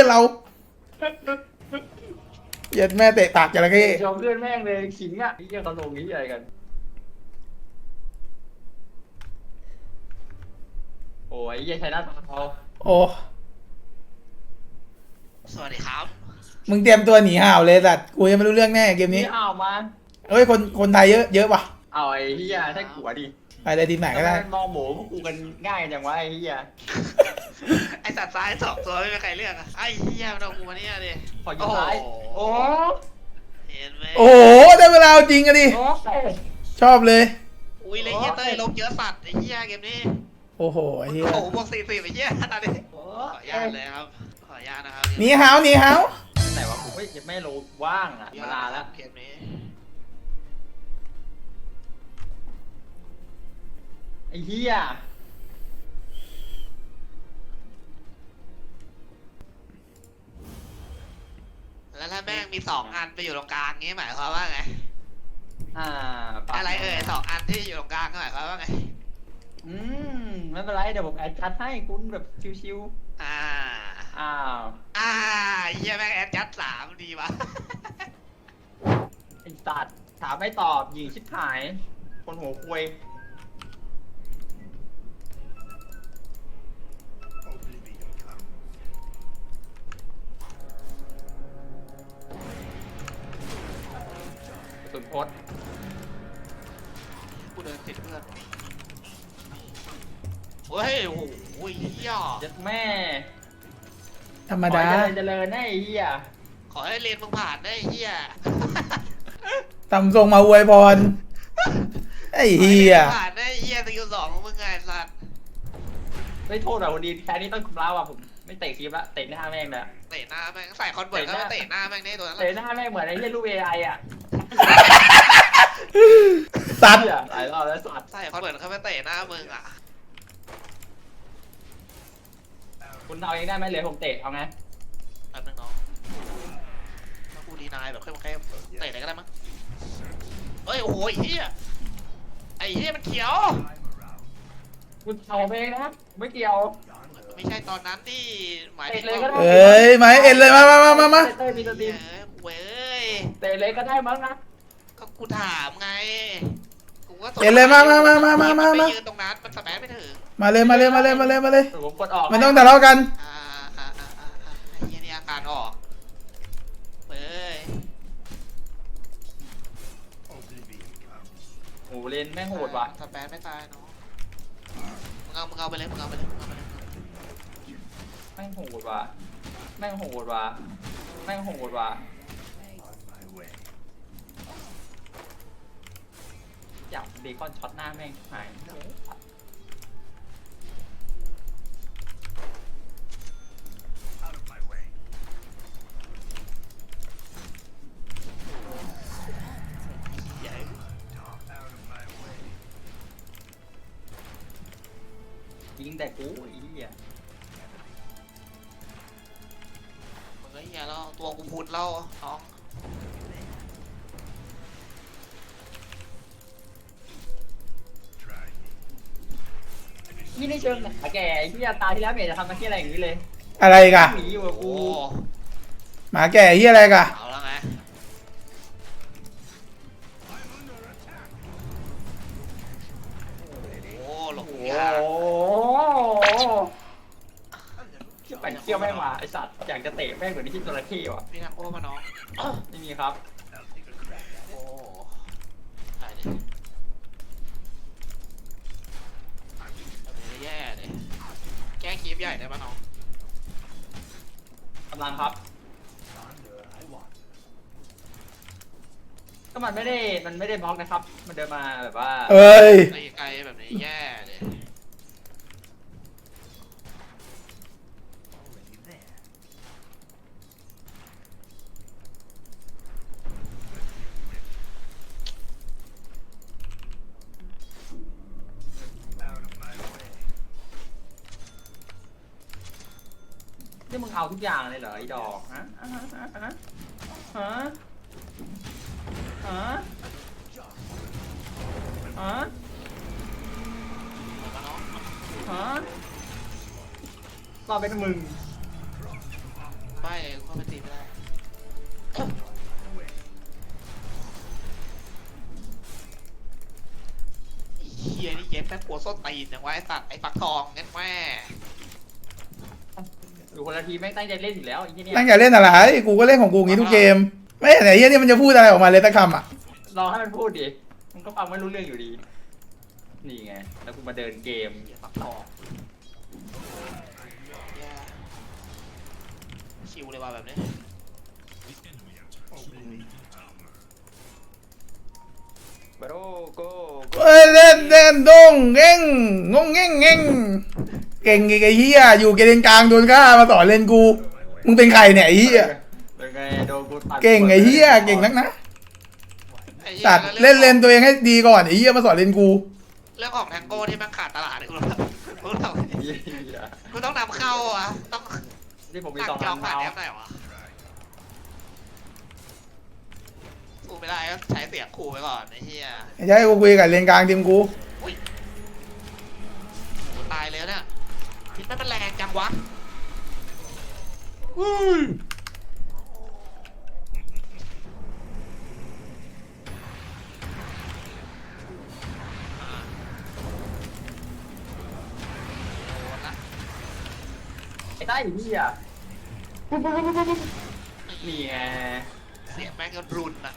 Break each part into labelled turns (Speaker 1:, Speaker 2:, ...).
Speaker 1: เราเย็ดแม่เตะปากจระเข้
Speaker 2: ยอมเลื่อนแม่งเลยขิงอ่ะไอ้เหี้ยเขาลงนี้อะไรกันโอ้ยไอ้เหี้ยชัยนาทเขา
Speaker 1: โอ้
Speaker 3: สวัสดีครับ
Speaker 1: มึงเตรียมตัวหนีห่าวเลยสัตว์กูยังไม่รู้เรื่องแน่เกมนี้
Speaker 2: นี่เอามา
Speaker 1: เฮ้ยคนไทยเยอะว่ะ
Speaker 2: เอาไอ้เหี้ยใช่ขัวดิ
Speaker 1: ไปเลยทีมไหนก็ได้
Speaker 2: ทำมมองหมูพวกกูกันง่ายจังวะไอ้เหี้ย
Speaker 3: ไอสัตว์ซ้ายสองตัวไม่มีใครเลือกอะไอ้เหี้ยมันเอากูมาเนี่ยดิ
Speaker 2: ขอยิงซ้ายโอ้
Speaker 3: เห็นไหม
Speaker 1: โอ้โหได้เวลาเอาจริงอะดิ
Speaker 2: โอ้
Speaker 1: ชอบเลย
Speaker 3: อุ้ยเลยเหี้ยเต้ยลบเยอะสัตว์ไอ้เหี้ยเกมนี้
Speaker 1: โอ้โหไอ้เหี้ย
Speaker 3: โอ้โหบวก40ไอ้เหี้ยนั่นดิ
Speaker 2: โอ้
Speaker 3: ขออนุญาตเลยครับขออนุญาตนะครับ
Speaker 1: หนีห่าวหนีห่าว
Speaker 2: ไหนวะกูไม่รู้ว่างอ่ะเวลาแล้ว
Speaker 3: เกมนี้
Speaker 2: ไอ้เหี้ย
Speaker 3: แล้วถ้าแม่งมี2อันไปอยู่ตรงกลางงี้หมายความว่าไง
Speaker 2: ปาก
Speaker 3: อะไรเอ่ย2อันที่อยู่ตรงกลางหมายความว่าไง
Speaker 2: ไม่เป็นไรเดี๋ยวผมแอดชัดให้คุณแบบชิว
Speaker 3: อ่า
Speaker 2: ๆอ้าว
Speaker 3: เหี้ยแม่งแอดยัด3ดีวะ
Speaker 2: ไอ้สัตว์ถามไม่ตอบยิงชิบหาย คนหัวควยสุดโพส
Speaker 3: กูเดินติดเพื่อนเฮ้ยโอ้โหเหี้ย
Speaker 2: ยัดแม่
Speaker 1: ธรรมดา
Speaker 2: ขอให้เจริญนะไอ้เหี้ย
Speaker 3: ขอให้เรียนมึงผ่านได้ไอ้เหี้ย
Speaker 1: ตำทรงมาอวยพรไอ้เหี้ย
Speaker 3: ผ่านได้ไอ้เหี้ยสกิล2ของมึงไงสัตว์
Speaker 2: ไม่โทษหรอกวันดีแค่นี้ต้องคุมเล้าอ่ะผมไม่เตะคลิปละเตะหน้าแม่งเลย
Speaker 3: เตะหน้าแม่งใส่คอนเวิร์ตเข้าไปเตะหน้าแม่งได้ตัวนั้น
Speaker 2: เตะหน้าแม่งเหมือนไอ้เหี้ยลูก AI อ่ะ
Speaker 1: สัตว์
Speaker 2: เหี้ยหลายรอบแล้วสัตว์
Speaker 3: ใส่คอนเวิร์ตเข้าไปเตะหน้ามึงอ่ะ
Speaker 2: คุณเอาเองได้ไหมเลยผมเตะเอาไง
Speaker 3: แป๊บนึงน้องถ้ากูดีนายแบบเข้มๆเตะไหนก็ได้มั้งเฮ้ยโอ้โหไอ้เหี้ยไอ้เหี้ยมันเขียว
Speaker 2: คุณเอาเองนะไม่เกี่ยว
Speaker 3: ไม่ใช่ตอนนั้นที่หมายถึง
Speaker 2: เตะเลยก็ได้
Speaker 1: เอ้ยไหมเอ็นเลยมา
Speaker 2: เต้ยมีสตรีม
Speaker 3: เว้ย
Speaker 2: เตะเลยก็ได้มั้งนะ
Speaker 3: ก็กูถามไงกูก็
Speaker 1: เอ็นเลยมา
Speaker 3: ไปยืนตรงนั้นมันสแปมไม่ถึง
Speaker 1: มาเลย
Speaker 2: ผมกดออก
Speaker 1: ไม่ต้องทะเลาะกัน
Speaker 3: ไอ้เหี้ยนี่อาการออกเว้ย
Speaker 2: โอ้เลนแม่งโหดว่ะ
Speaker 3: สแปมไม่ตายเนาะมึงเอาไปเลย
Speaker 2: แม่งโหดว่ะแม่งโหดว่ะแม่งโหดว่ะอยากเบคอนช็อตหน้าแม่งหายยิงแต่กูไอ้เหี้ย
Speaker 3: มึงก็เหี้ยแล้วตัวกูพุดแล้วน้อง
Speaker 2: นี่ในเชิงหนาแก่ไอ้เหี้ยตาที่แล้วเมียจะทำมาที่อะไรอย่างนี้เลย
Speaker 1: อะไรกะ
Speaker 2: หนีอยู่กับกู
Speaker 3: โอ้
Speaker 1: หมาแก่เหี้ยอะไรกะ
Speaker 3: เอาแล้วไงโอ้หลบ
Speaker 2: โอ้
Speaker 3: ยาก
Speaker 2: โหไปเที่ยวแม่งมาไอสัตว์อยากจะเตะแม่งเหมือนที่จระเข้ว่ะ
Speaker 3: พี่ทำโอ้มาน้อง
Speaker 2: ไม่มีครับ
Speaker 3: โอ้ตายดิแย่เลยแก้คลิปใหญ่ได้ปะน้อง
Speaker 2: กำลังครับก็มันไม่ได้บล็อกนะครับ มันเดินมาแบบว่า
Speaker 1: เอ้ย
Speaker 3: ไกลๆแบบนี้แย่เลย
Speaker 2: นี่มึงเอาทุกอย่างเลยเหรอไอ้ดอกฮะฮะฮะฮะฮะฮะฮะ
Speaker 3: มาน้อง
Speaker 2: ฮะก็เป็นมึง
Speaker 3: ไปไม่เข้าไปตีไม่ได้เฮียนี่เย็บแม่งกลัวส้นตีนอย่างว่าไอ้สัตว์ไอ้ฟักทองงั้นแม่
Speaker 2: อยู่คนละทีแม่งตั้งใจเล่นอยู่แล้วไอ้ที่เนี่ย
Speaker 1: ตั้งใจเล่นอะไรกูก็เล่นของกูอย่างงี้ทุกเกมไม่เห็นไหนเฮียนี่มันจะพูดอะไรออกมาเลยสักคำอ่ะ
Speaker 2: รอให้มันพูดดิมันก็ฟังไม่รู้เรื่องอยู่ดี นี่ไง แล้วกูมาเดินเกมปักทอง
Speaker 3: ชิวเลยว่ะแบบนี้
Speaker 2: บาโรโก
Speaker 1: เอ้ยเล่นเล่นดงเง่งงงเง่งเง่งเก่งไอ้เฮียอยู่เกณฑ์กลางโดนฆ่ามาสอนเล่นกูมึงเป็นใครเนี่ยไอ้เฮีย
Speaker 2: เป็นไงโดนกูตัด
Speaker 1: เก่งไอ้เฮียเก่งนักนะ
Speaker 3: ไอ้หี้ย
Speaker 1: สัตว์เล่นเลนตัวเองให้ดีก่อนไอ้เฮียมาสอนเล่นกู
Speaker 3: เรื่องของแทงโก้ที่มันขาดตลาดเลยคุณต้อง
Speaker 2: เหี้ย
Speaker 3: คุณต้องนำเข้าอ่ะต้อง
Speaker 2: นี่ผมมี
Speaker 3: ตัก
Speaker 2: สอง
Speaker 3: จอง
Speaker 2: ทาง
Speaker 3: ผ่าน
Speaker 2: เท้า
Speaker 3: แอปไหนวะสู้ไม่ได้ก็ใช้เสียงขู่ไปก่อนไอ้เหี้ย
Speaker 1: ไม่ใช่กูคุยกับเลนกลางทีมกู
Speaker 3: โอ้ตายแล้วเนี่ยพิษมันแรงจังวะ
Speaker 2: ไอ้ใต้อยู่ที่อ่ะนี่ไง
Speaker 3: เสียงแม่งก็รุนอ่ะ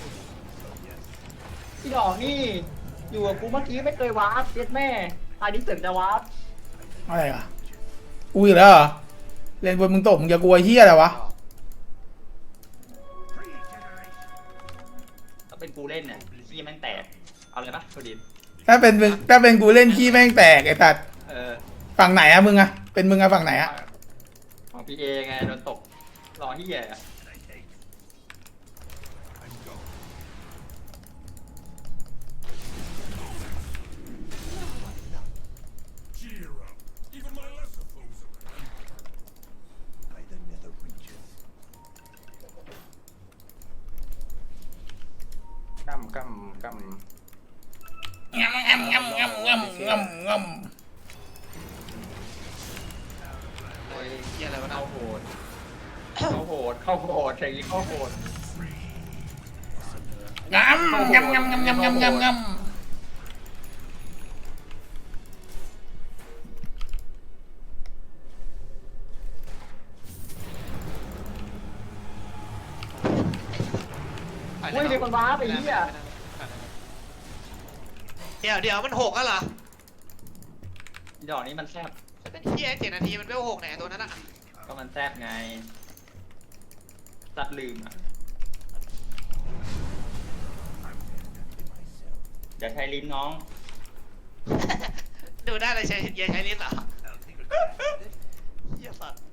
Speaker 2: พี่ดอกนี่อยู่กับกูเมื่อกี้ไม่เคยวาร์ปเจ็ดแม่ตายนี้เสริมจะวาร์ป
Speaker 1: อะไรอ่ะกูอีกแล้วเหรอเลนบนมึงตกมึงจะกลัวเฮียอะไรวะ
Speaker 2: ถ้าเป็นกูเล่นเนี่ยพี่แม่งแตกเอาเลยปะโทดิน
Speaker 1: ถ้าเป็นกูเล่นขี้แม่งแตกไอ้สัตว์
Speaker 2: เออ
Speaker 1: ฝั่งไหนอะมึงอะเป็นมึงอะฝั่งไหนอะ
Speaker 2: ของพี่เอไงโดนตกรอที่แย่ กำ
Speaker 1: งำงำงำงำงำงำง
Speaker 3: โอ้ยเหี้ยอะไรวะ
Speaker 2: เข้า
Speaker 3: เนาะ
Speaker 2: โหดอย่างนี้เข้าโหด
Speaker 1: ำงำงำงำงำงำงำงำงำ
Speaker 3: ไปเล
Speaker 2: เฮ้ย
Speaker 3: ย
Speaker 2: มีคนว้าไปเหี้ย
Speaker 3: เดี๋ยวมันหกแล้วเหรอ
Speaker 2: ดอกนี้มันแซบ
Speaker 3: เป็นเหี้ย7 นาทีมันไม่หกไหนตัวนั้นอ่ะ
Speaker 2: ก็มันแซบไงสัตว์ลืมอ่ะอย่าใช้ลิ้นน้อง
Speaker 3: ดูได้เลยใช้เยใช้ลิ้นเหรอเหี้ยสัตว์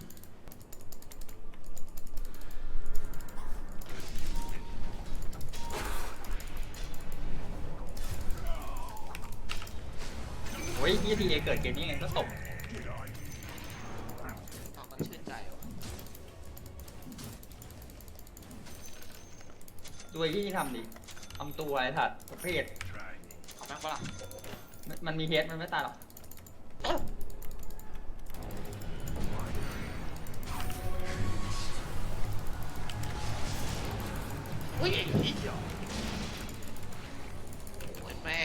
Speaker 2: โอ้ยพี่ทีเอเกิดเกมนี้ไงก็ตก
Speaker 3: มันชื่นใจว่ะ
Speaker 2: ด้วยที่ทำดิทำตัวไอ้สัตว์ประเภท
Speaker 3: เอาแม่งปะล่ะ
Speaker 2: มันมีเฮดมันไม่ตายหรอก
Speaker 3: อุ้ยไอ้เหี้ยโอ้ยแม่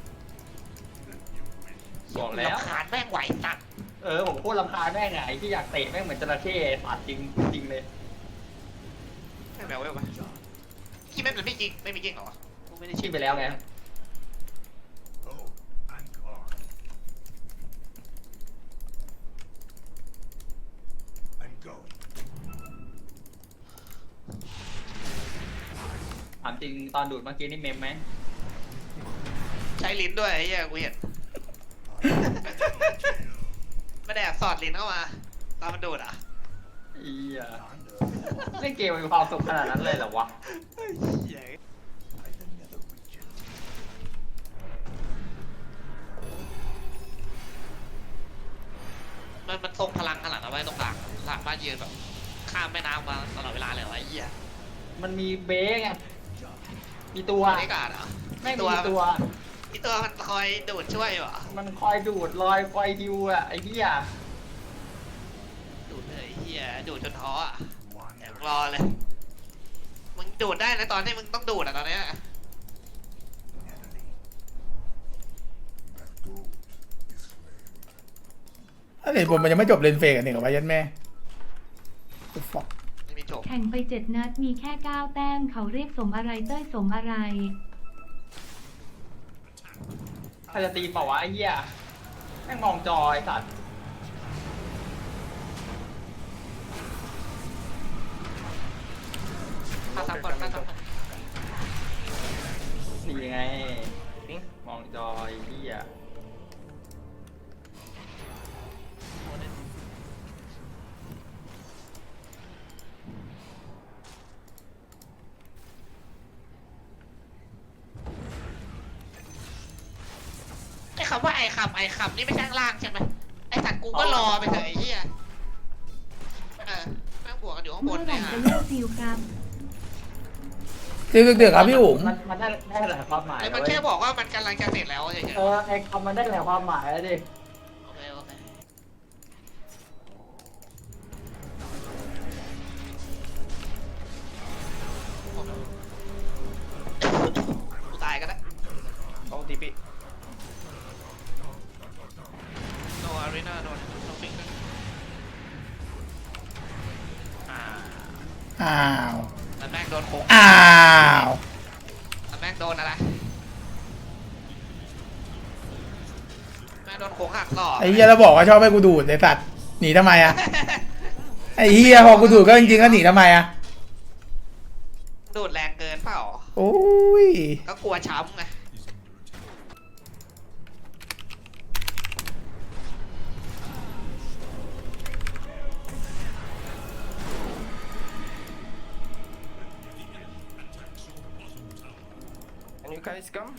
Speaker 2: บอกแล้ว
Speaker 3: รำคาญแม่งไหวสัตว์
Speaker 2: ผมโคตรรำคาญแม่งไงไอ้ที่อยากเตะแม่งเหมือนจระเข้สัตว์จริงจริงเลย
Speaker 3: แม่งแมวเว้ยปะที่แม่งมันไม่จริงไม่มีจริงเหรอวะกูไม่ได้
Speaker 2: ชิมไปแล้วไง ถามจริงตอนดูดเมื่อกี้นี่เมมไหม
Speaker 3: ใช้ลิ้นด้วยไอ้เหี้ยกูเห็นไม่ได้แอบสอดลิ้นเข้ามาตอนมันดูดอ่ะ
Speaker 2: อีอ่ะเล่นเกมมันมีความสุขขนาดนั้นเลยเหรอวะ
Speaker 3: เหี้ยมันทรงพลังขนาดนั้นไว้ตรงหลังหลังบ้านยืนแบบข้ามแม่น้ำมาตลอดเวลาเลยเหรอไอ้เหี้ย
Speaker 2: มันมีเบ้ไงมีตัว
Speaker 3: บรรยากาศเหรอ
Speaker 2: ไม่มีตัว
Speaker 3: ที่ตัวมันคอยดูดช่วยเหรอ
Speaker 2: มันคอยดูดลอยคอยดิวอะไอ้เหี้ย
Speaker 3: ดูดเลยไอ้เหี้เหี้ยดูดจนท้ออ่ะเดี๋ยวรอเลยมึงดูดได้นะตอนนี้มึงต้องดูดอ่ะตอนเนี้ย
Speaker 1: ถ้าเหตุผลมันยังไม่จบเลนเฟกกันหนึ่งกับไว้ยันแม่ฟอก
Speaker 3: ไม่มีจบ
Speaker 4: แข่งไป7 นัดมีแค่ 9 แต้มเขาเรียกสมอะไรเต้ยสมอะไร
Speaker 2: ใครจะตีเปล่าวะไอ้เหี้ยแม่งมองจอยสัตว์
Speaker 3: ฆ่าซ้ำก่อนฆ่าซ้ำก่อน
Speaker 2: นี่ไงมองจอยเหี้ย
Speaker 3: ไอ้คำว่าไอ้คำนี่ไม่ใช่ข้างล่างใช่ไหมไอ้สัตว์กูก็รอไปเถอะไอ้เหี้ยแม่งบวกกันอยู่ข้างบ
Speaker 4: เมื่
Speaker 3: น
Speaker 4: อไห
Speaker 3: เนี่
Speaker 4: ร่
Speaker 3: ย
Speaker 4: จะเลิกซิลครับ
Speaker 1: คือเดือดครับพี่อุ๋ม
Speaker 2: มันได้หลายความหมาย
Speaker 3: ไอ้มันแค่บอกว่ามันกำลังจะเสร็จแล้วเฉยๆ
Speaker 2: ไอ้คำมันได้หลายความหมายแล้วดิ
Speaker 3: โอเคกูตายก็ได้
Speaker 2: ต้องตีปี
Speaker 3: โนอารีนาโดนโนฟิกนะ
Speaker 1: อ้าว
Speaker 3: แล้วแม่งโดนโค้ง
Speaker 1: อ้าว
Speaker 3: แล้วแม่งโดนอะไรแม่งโดนโค้งหักหลอก
Speaker 1: ไอ้เฮียเราบอกว่าชอบให้กูดูดไอ้สัตว์หนีทำไมอะไอ้เฮียพอกูดูดก็จริงๆก็หนีทำไมอะ
Speaker 3: ดูดแรงเกินเปล่า
Speaker 1: โอ้ย
Speaker 3: ก็กลัวช้ำไง
Speaker 5: Can you guys come?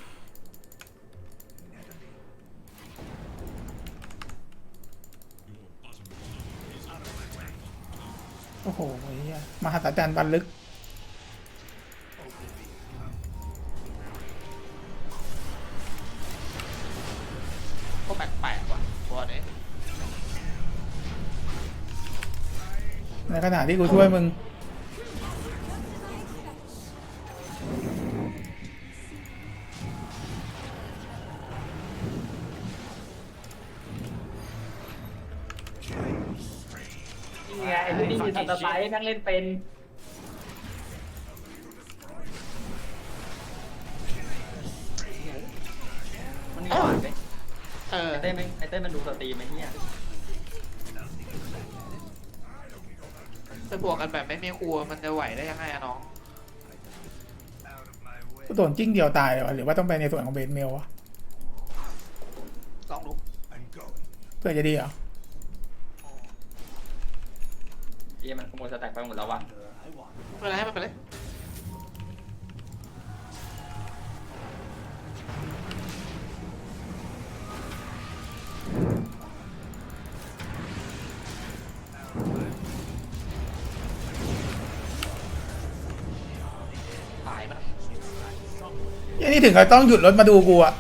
Speaker 1: โอ้โหไอ้เฮียมหัศจรรย์บรรลึก
Speaker 3: ก็แปลกๆว่ะตัวนี้
Speaker 1: ในขณะที่กูช่วยมึง
Speaker 2: นี่ไงไอ้ที่นี่มีทันตไซส์แม่งเล่นเป็นมันนี่หวานไหม
Speaker 3: เออ
Speaker 2: ไอ้เต้มันดูสตรีมไหมเนี่ย
Speaker 3: ไปบวกกันแบบไม่มีครัวมันจะไหวได้ยังไงอะน้อง
Speaker 1: กูโดนจิ้งเดียวตายเลยวะหรือว่าต้องไปในส่วนของเบสเมลวะ
Speaker 3: ลองดู
Speaker 1: เพื่อจะดีเหรอ
Speaker 2: เหี้ยมันขโมยสแต็กไปหมดแล้ววะ
Speaker 3: ไม่เป็นไรให้มันไปเลยตายมัน
Speaker 1: ยังนี่ถึงเขาต้องหยุดรถมาดูกูอะ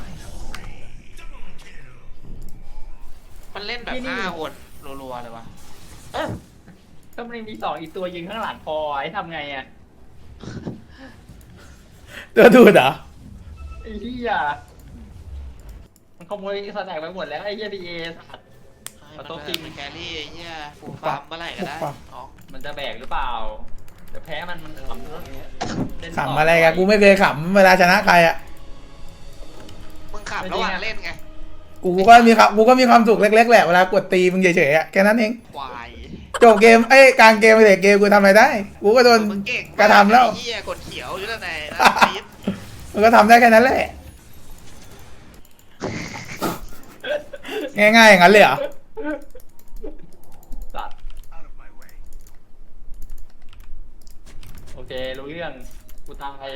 Speaker 3: มันเล่นแบบ5 คนรัวๆเลยวะ
Speaker 2: ก็มันมี2อีกตัวยิงข้างหลังพอไอ้ทำไงอ่ะ
Speaker 1: ตัวดูดเหรอ
Speaker 2: ไอ้เหี้ยมันขโมยสแต็กไปหมดแล้วไอ้เหี้ยพีเอสัตว์
Speaker 3: มัน
Speaker 2: โต๊ะจริง
Speaker 3: เป็นแครี่ไอ้เหี้ยฟูลฟาร์มเมื่อไหร่ก็ได้น้อง
Speaker 2: มันจะแบกหรือเปล่าแต่แพ้มันขำเล่นต่
Speaker 1: ขำอะไรกันกูไม่เคยขำเวลาชนะใครอะ
Speaker 3: มึงขับระหว่างเล่นไง
Speaker 1: กูก็มีความสุขเล็กๆแหละเวลากดตีมึงเฉยๆอะแค่นั้นเอง
Speaker 3: ควาย
Speaker 1: จบเกมเอ้ยกลางเกมไปเด็กเกมกูทำอะไรได้ กูก็โดน
Speaker 3: มึงเก่ง
Speaker 1: กระทำแล้ว
Speaker 3: ไอ้เหี้ยกดเขียวอยู่ตั้งแต่ปี๊ด
Speaker 1: มันก็ทำได้แค่นั้นแหละ ง่ายๆอย่างนั้นเลยเหรอ
Speaker 2: สัตว์โอเครู้เรื่องกูตาย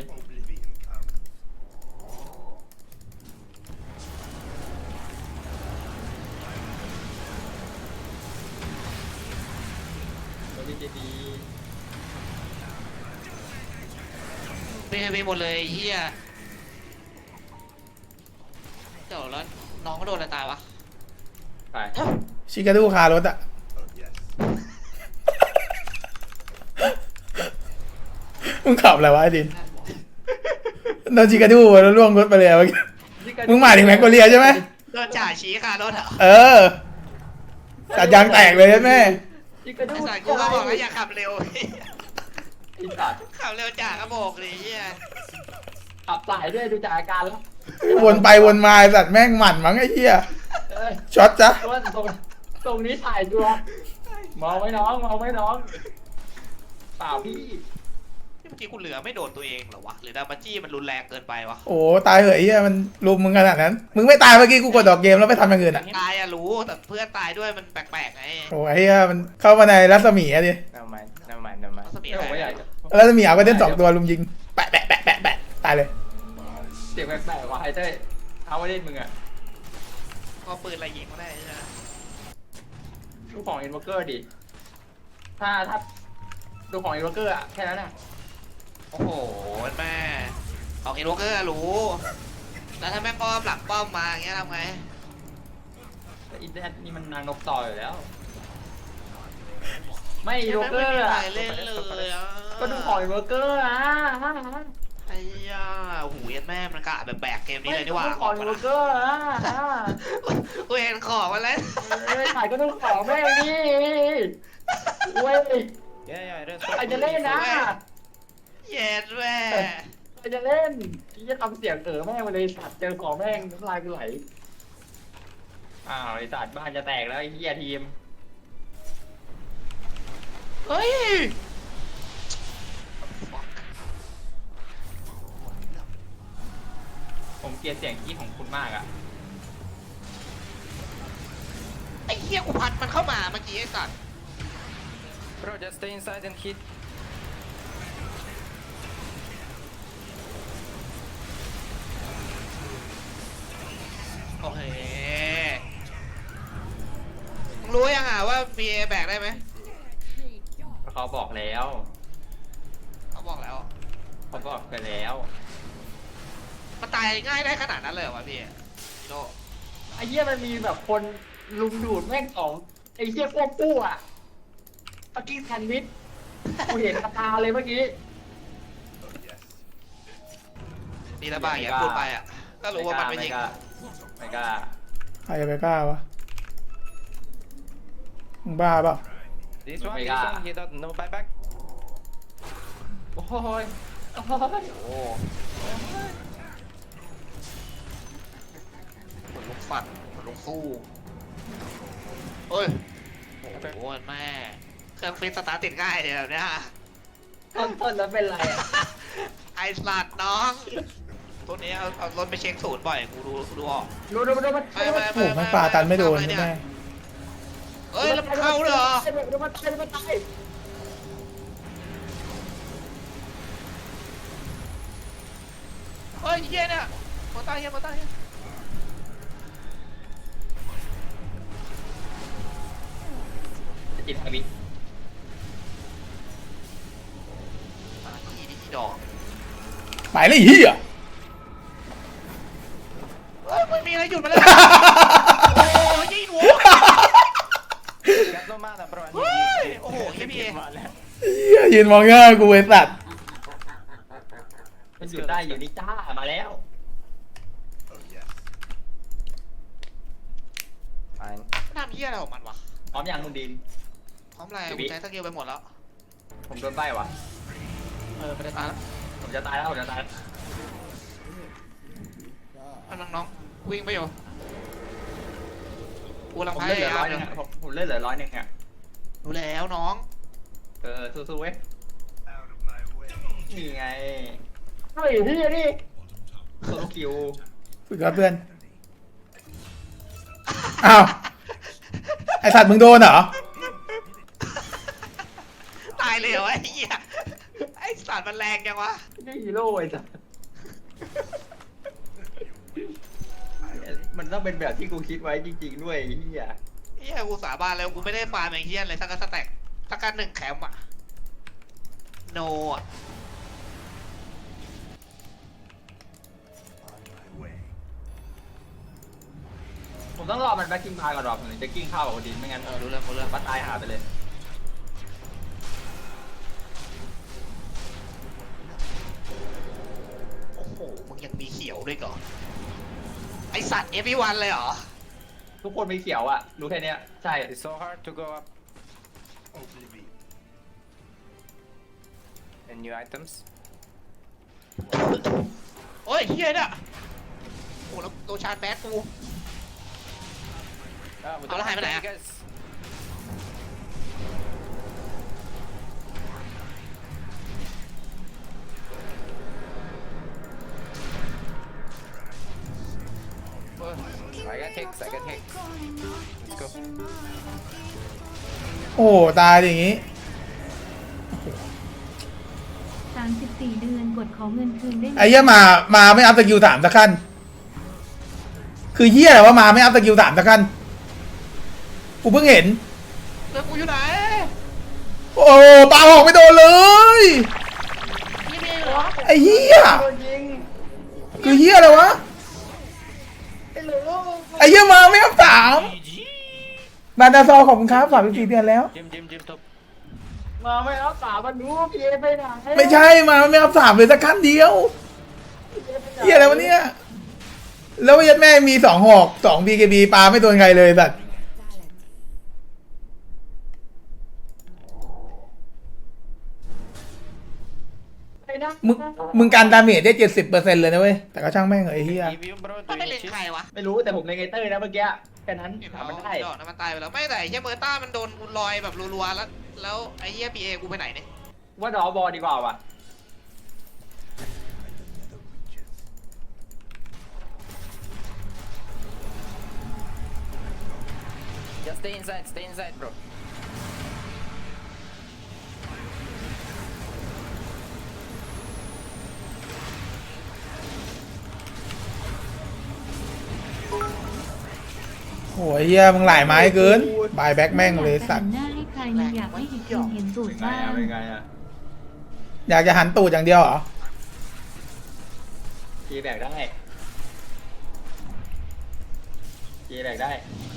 Speaker 2: ตัวดีดี
Speaker 3: ไปหมดเลยไอ้เหี้ยเดี๋ยวแล้วน้องก็โดนอะไรตายวะ
Speaker 2: ไป
Speaker 1: ชิคาดูคารถอะมึงขับอะไรวะไอ้ดินโดนจิกาดูแล้วล่วงรถไปเลยเมื่อกี้มึงมาถึงแมกโกเลียใช่ไหม
Speaker 3: โดนจ่าชี้ค่ะรถอ่ะ
Speaker 1: เออตัดยางแตกเลยแม่
Speaker 2: จิกระดู
Speaker 3: ไอ้สัตว์กูก็บอกแล้วอย่าขับเร็ว
Speaker 2: ไอ้สัตว์
Speaker 3: ขับเร็วจ่ากระบอกเลยเฮีย
Speaker 2: ขับสายด้วยดูจากอาการแล้ว
Speaker 1: วนไปวนมาไอ้สัตว์แม่งหมั่นมั้งไอ้เหี้ย
Speaker 2: เอ้ย
Speaker 1: ช็อตจ้ะ
Speaker 2: ตรงนี้ถ่ายตัวมองไว้น้องมองไว้น้องเปล่าพี่
Speaker 3: เมื่อกี้กูเหลือไม่โดนตัวเองเหรอวะหรือดามาจี้มันรุนแรงเกินไปวะ
Speaker 1: โอ้ตายเหอะไอ้เหี้ยมันลุมมึงขนาดนั้นมึงไม่ตายเมื่อกี้กูกดดอกเกมแล้วไปทำอย่างอื่นอ่ะ
Speaker 3: ตายอะรู้แต่เพื่อนตายด้วยมันแปลกๆไง
Speaker 1: โอ้ไอ้เหี้ยมันเข้ามาในรัศมีอะดิ
Speaker 2: น้ำมัน
Speaker 3: รัศมี
Speaker 2: ไม่
Speaker 3: อะไร
Speaker 2: อยาก
Speaker 1: รัศมีเอาไปเล่น2 ตัวลุมยิงแปะแปะแปะแปะแปะตายเลย
Speaker 2: เสียงแปลกๆว่ะไอ้เต้ยเอาไว้เล่นมึงอะ
Speaker 3: ก็ปืนอะไรยิงก็ได้ใช่ไหม
Speaker 2: ดูของอินวอร์เกอร์ดิถ้าดูของอินวอร์เกอร์อะแค่นั้นอะ
Speaker 3: โอ้โหแม่ของอินโวเกอร์รู้แล้วถ้าแม่งป้อมหลังป้อมมาอย่างเงี้ยทำไง
Speaker 2: แต่อินเทอร์เน็ตนี่มันนางนกต่ออยู่แล้ว ไม่อินวอร์เกอร์อะ
Speaker 3: เล่นเลยอ่ะ
Speaker 2: ก็ดูของอินวอร์เกอร์อะ
Speaker 3: ไอ้ย่าโอ้โหยันแม่มันกะแบบแบกเกมนี้เลยดีกว่า
Speaker 2: ไม่ของอินวอร์เกอร์อะ
Speaker 3: กูเห็นของมาแล้ว
Speaker 2: ถ่ายก็ต้องของแม่งดิเว้ยใครจะเล่นนะ
Speaker 3: เย็ดแม่
Speaker 2: ใครจะเล่นที่จะทำเสียงแม่งมาเลยสัตว์เจอของแม่งน้ำลายกูไหลอ้าวไอ้สัตว์บ้านจะแตกแล้วไอ้เหี้ยทีม
Speaker 3: เฮ้ย
Speaker 2: ผมเกลียดเสียงกี้ของคุณมากอะ
Speaker 3: ไอ้เหี้ยกูพัดมันเข้ามาเมื่อกี้ไอ้สัตว์
Speaker 5: Bro, just stay inside and hit.
Speaker 3: โอเคมึงรู้ยังอ่ะว่า BA แบกได้ไหม
Speaker 2: เขาบอกแล้ว
Speaker 3: เขาบอกแล้ว
Speaker 2: เขาบอกไปแล้ว
Speaker 3: มันตายง่ายได้ขนาดนั้นเลยเหรอวะพี่โล
Speaker 2: ไอ้เหี้ยมันมีแบบคนลุมดูดแม่งของไอ้เหี้ยพวกปู้อะตะกี้แซนด์วิชกูเห็นกระตาเลยเมื่อกี้
Speaker 3: นี่ละบ้าอย่างเงี้ยพูดไปอ่ะก็รู้ว่ามันไม่ยิง
Speaker 2: ไม่กล้า
Speaker 1: ใครจะไปกล้าวะมึงบ้าเปล่า
Speaker 5: This one, he don't know buyback.
Speaker 2: โอ้ยโอ้ย
Speaker 3: โอ้เหมือนลูกฟันเหมือนลูกสู้เฮ้ยโอ้โหแม่เครื่องฟิตสตาร์ทติดง่ายเดี๋ยวแบบเนี้ย
Speaker 2: ต้นแล้วเป็นไรอะ
Speaker 3: ไอสลัดน้องตัวนี้เอารถไปเช็คศูนย์บ่อยกูดูออก
Speaker 2: ดูมัน
Speaker 3: ไป
Speaker 1: โอ้โหแม่งปลาตันไม่โดนใช่ไหม
Speaker 3: เฮ้ยแล้วมันเข้าเหรอ
Speaker 2: ดูมันตาย
Speaker 3: เฮ้ยเฮียเนี่ยมาตายเฮียมาตายเฮีย
Speaker 2: จิตอวิ
Speaker 3: อีดอก
Speaker 1: ไปเลยเฮีย
Speaker 3: เฮ้ยไม่มีอะไรหยุดมาเลยโอ้ยยิงหัว
Speaker 5: Got no mana, bro. I need
Speaker 3: เฮ้ย
Speaker 5: you.
Speaker 3: โอ้โหเฮียพี่
Speaker 1: เฮียยืนมองหน้ากูไอ้สัตว์
Speaker 2: มันอยู่ได้อยู่นี่จ้ามาแล้ว
Speaker 5: Fine.
Speaker 3: ทำเฮียอะไรของมันวะ
Speaker 2: พร้อมยังมึงดิน
Speaker 3: พร้อมอะไรกูใช้สกิลไปหมดแล้ว
Speaker 2: ผมโดนใบ้ว่ะ
Speaker 3: ไม่ได้ตายแล้ว
Speaker 2: ผมจะตายแล้วผมจะตาย
Speaker 3: น้องวิ่งไปอยู่กูกำลัง
Speaker 2: ผม
Speaker 3: พ
Speaker 2: เล่นเหลื
Speaker 3: ยา
Speaker 2: อย
Speaker 3: าม
Speaker 2: 100นึงอะผมเล่นเหลือ100นึงอะ
Speaker 3: รู้แล้วน้อง
Speaker 2: สู้ๆเว้ยนี่ไงเฮ้ยพี่นี่โซโลคิว
Speaker 1: สุดยอดเพื่อนอ้าวไอสัตว์มึงโดนเหรอ
Speaker 3: ตายเลยเหรอไอ้เหี้ยไอ้สัตว์มันแรงจังวะ
Speaker 2: นี่ฮีโร่ไอ้สัสมันต้องเป็นแบบที่กูคิดไว้จริงๆด้วยไอ้เฮีย
Speaker 3: เหี้ยกูสาบานแล้วกูไม่ได้ฟาร์มอย่างเหี้ยเลยสักสแต็กสักการ1แคมป์อะโนอะ
Speaker 2: ผมต้องรอมันแบ็คกิ้งพายก่อนหรอผมถึงจะกิ้งเข้ากับโอดินไม่งั้น
Speaker 3: รู้เรื่อง
Speaker 2: บัตตายหาไปเลย
Speaker 3: ยังมีเขียวด้วยก่อนไอสัตว์ everyone เลยเหรอ
Speaker 2: ทุกคนมีเขียวอ่ะรู้แค่เนี้ยใช่
Speaker 5: It's so hard to go up. And new items.
Speaker 3: โอ้ยเฮียเนี่ยโอ้แล้วโดนชาร์จแบดกู
Speaker 5: Ah, we
Speaker 3: I'll
Speaker 5: don't
Speaker 3: have it,
Speaker 5: have
Speaker 3: yeah.
Speaker 5: guys. I got hicks. Let's go.
Speaker 1: โอ้ตายอย่างงี้
Speaker 4: 34 เดือนกดขอเงินคืนได้ไหม
Speaker 1: ไอ้เหี้ยมาไม่อัพสกิล3สักขั้นคือเหี้ยอะไรว่ามาไม่อัพสกิล3สักขั้นกูเพิ่งเห็น
Speaker 3: เรื่องกูอยู่ไหน
Speaker 1: โอ้ปาหอกไม่โดนเลย
Speaker 3: นี่มีเหรอ
Speaker 1: ไอ้เหี้ย
Speaker 2: โดนยิง
Speaker 1: คือเหี้ยอะไรวะ
Speaker 2: ไอ้เหลือ
Speaker 1: ไอ้เหี้ยมาไม่อัพ3บานดาซอขอบคุณครับ34เดือนแล้ว
Speaker 5: Jim top.
Speaker 2: มาไม่รับสามันรู้พีเอไปไหน
Speaker 1: ไม่ใช่มาไม่อัพ3เลยสักขั้นเดียวเหี้ยอะไรวะเนี่ยแล้วยัดแม่มี2หอก2 BKB ปาไม่โดนใครเลยสัตว์
Speaker 2: ไอ้นะ
Speaker 1: มึงการดาเมจได้ 70%เลยนะเว้ยแต่ก็ช่างแม่งเหอะไอ้เหี้ย
Speaker 5: Give you, bro.
Speaker 3: มัน
Speaker 5: Do
Speaker 3: ไม่
Speaker 5: you
Speaker 3: เล่น
Speaker 5: need
Speaker 3: ใคร
Speaker 5: cheese?
Speaker 3: วะ
Speaker 2: ไม่รู้แต่ผมเลงไอเตอร์นะเมื่อกี้แค่นั้น
Speaker 3: เห็น
Speaker 2: ถาม
Speaker 3: เขา
Speaker 2: มันได้
Speaker 3: ดอกนะมันตายไปแล้วไม่แต่ไอ้เฮียเมอร์ต้ามันโดนกูลอยแบบรัวๆแล้วไอ้เฮียพีเอกูไปไหนเนี่ย
Speaker 2: ว่าดอบอลดีกว่าว่ะ
Speaker 5: Just stay inside, bro.
Speaker 1: โอ้ยเหี้ยมึงหลายไม้เกินบายแบ็กแม่งเลยสัตว์
Speaker 4: หน้าให้ใครมันอยากให้อีกคนเห็นตูดบ้าง
Speaker 2: เป็นไงอ่ะ
Speaker 1: อยากจะหันตูดอย่างเดียวเหรอ
Speaker 2: พีแบกได้พีแบกได้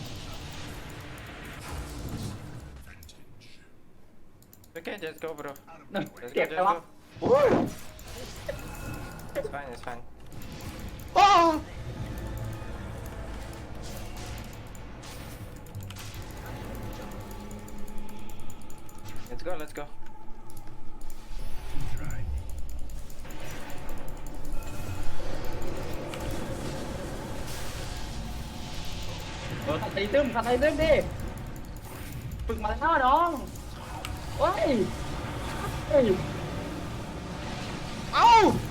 Speaker 5: Okay, just go, bro.
Speaker 2: เก็บ
Speaker 5: Just
Speaker 2: ไปวะ
Speaker 5: go.
Speaker 2: โอ้ย
Speaker 5: It's fine. It's fine.
Speaker 3: โอ้
Speaker 5: Let's go. Let's go.
Speaker 2: ขัดไตตึ้มดิฝึกมาแล้วน้องโอ้ยเฮ้ย
Speaker 3: เอ้า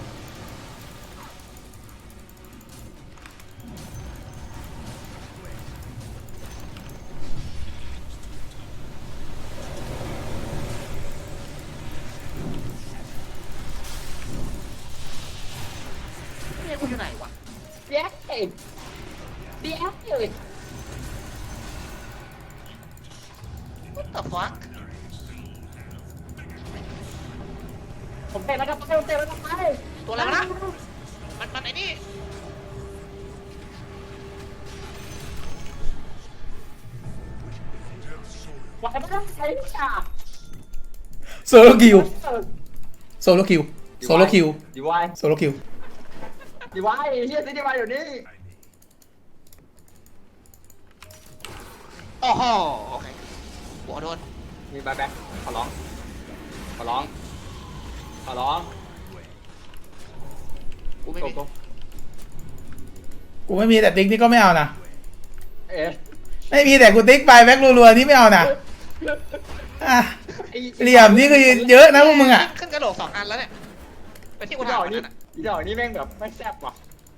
Speaker 3: เนี่ยกูอยู่ไหนวะ
Speaker 2: เดี๋ยวเอ้ยเดี๋ยวเอ้ย
Speaker 3: What the fuck
Speaker 2: ผมเตะแล้วก็ไปผมเตะแล้วก็ไป
Speaker 3: ตัวอะไรวะนะมันไอ้นี่
Speaker 2: ไหวไม่ได้ใช้จ่า
Speaker 1: โซโลคิวโซโลคิวโซโลคิว
Speaker 2: ดีวาย
Speaker 1: โซโลคิว
Speaker 2: ดีวายเฮียซีดีวายเดี๋ยวนี้
Speaker 3: โอ้โหโอเคหัวโดน
Speaker 2: มีบายแบ็คขอร้องขอร้องขอร้อง
Speaker 3: กูไม่มี
Speaker 2: โก
Speaker 1: กูไม่มีแต่ติ๊กนี่ก็ไม่เอานะ
Speaker 2: เอ๊ะ
Speaker 1: ไม่มีแต่กูติ๊กบายแบ็กรัวๆนี่ไม่เอานะอ่ะเหลี่ยมนี่คือเยอะนะพวกมึงอ่ะ
Speaker 3: ขึ้นกระโหลก2 อันแล้วเนี่ยไปที่กู
Speaker 2: อีด
Speaker 3: ถา
Speaker 2: อ
Speaker 3: ม
Speaker 2: ก
Speaker 3: วัน
Speaker 2: นี่
Speaker 3: นั้นอะ
Speaker 2: อีดอกนี่แม่งแบบไม่แซ่บว่ะ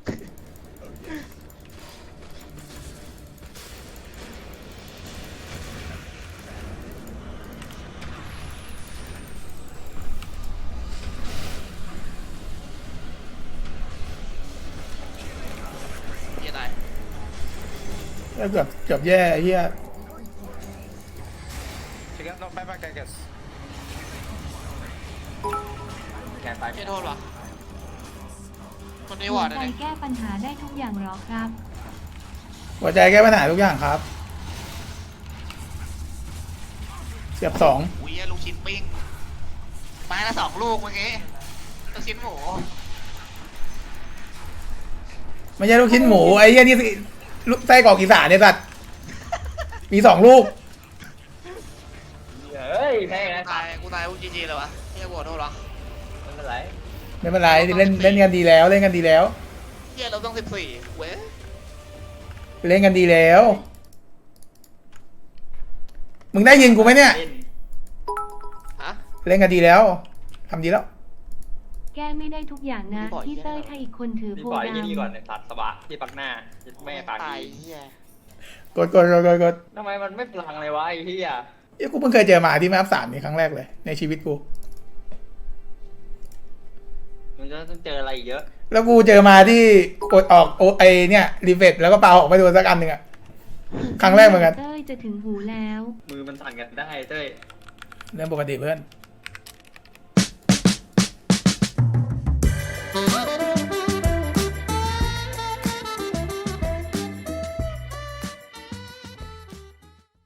Speaker 3: เฮียตาย
Speaker 1: แล้วเกือบแย่ไอ้เฮีย
Speaker 5: She got no buyback, I guess.
Speaker 2: แกนไป
Speaker 3: เฮียโทษวะคนนี้
Speaker 4: หั
Speaker 3: ว
Speaker 4: ว
Speaker 3: อร์ด
Speaker 4: ใจ
Speaker 3: เนี่ย
Speaker 4: แก้ปัญหาได้ทุกอย่างหรอครับ
Speaker 1: หัวใจแก้ปัญหาทุกอย่างครับเสียบ2
Speaker 3: อุ้ยลูกชิ้นปิ้งไม้ละ2 ลูกเมื่อกี้ลูกชิ้นหมู
Speaker 1: ไม่ใช่ลูกชิ้นหมูไอ้เหี้ยนี่สิลูกไส้กรอกอีสานเนี่ยสัตว์มี2 ลูก
Speaker 2: เฮ้ยแม่งนะ
Speaker 3: กูตายกูจีจีเลยวะเฮียบวชโทษหรอ
Speaker 2: ไม่เป็นไร
Speaker 1: ไม่เป็นไรเล่นกันดีแล้วเล่นกันดีแล้ว
Speaker 3: เฮียเราต้อง14เว้ย
Speaker 1: เล่นกันดีแล้ว มึงได้ยินกูไหมเนี่ย
Speaker 2: เล่น
Speaker 3: ฮะ
Speaker 1: เล่นกันดีแล้วทำดีแล้ว
Speaker 4: แก้ไม่ได้ทุกอย่างนะ
Speaker 3: พี่บอย
Speaker 4: พี่เต้ยถ้าอีกคนถือ
Speaker 2: นี่
Speaker 4: โพ
Speaker 2: ปล่อย
Speaker 4: ด
Speaker 2: ที่นี่ก่อนเนี่ยสัตว์สบะที่ปักหน้าแม่ปาก
Speaker 3: ตาย
Speaker 2: ดี
Speaker 3: เฮีย
Speaker 1: กด
Speaker 2: ทำไมมันไม่พลังเลยวะไอ้เหี้ย
Speaker 1: เอ้ยกูเพิ่งเคยเจอหมาที่แมป3นี่ครั้งแรกเลยในชีวิตกู
Speaker 2: มันจะต้องเจออะไรอีกเยอะ
Speaker 1: แล้วกูเจอมาที่กดออกโอไอเนี่ยรีเฟรชแล้วก็เปาออกไปโดนสักอันหนึ่งอะครั้งแรกเหมือนกัน
Speaker 4: เต้ยจะถึงหูแล้ว
Speaker 2: มือมันสั่นกันได้เต้ย
Speaker 1: เรื่องปกติเพื่อน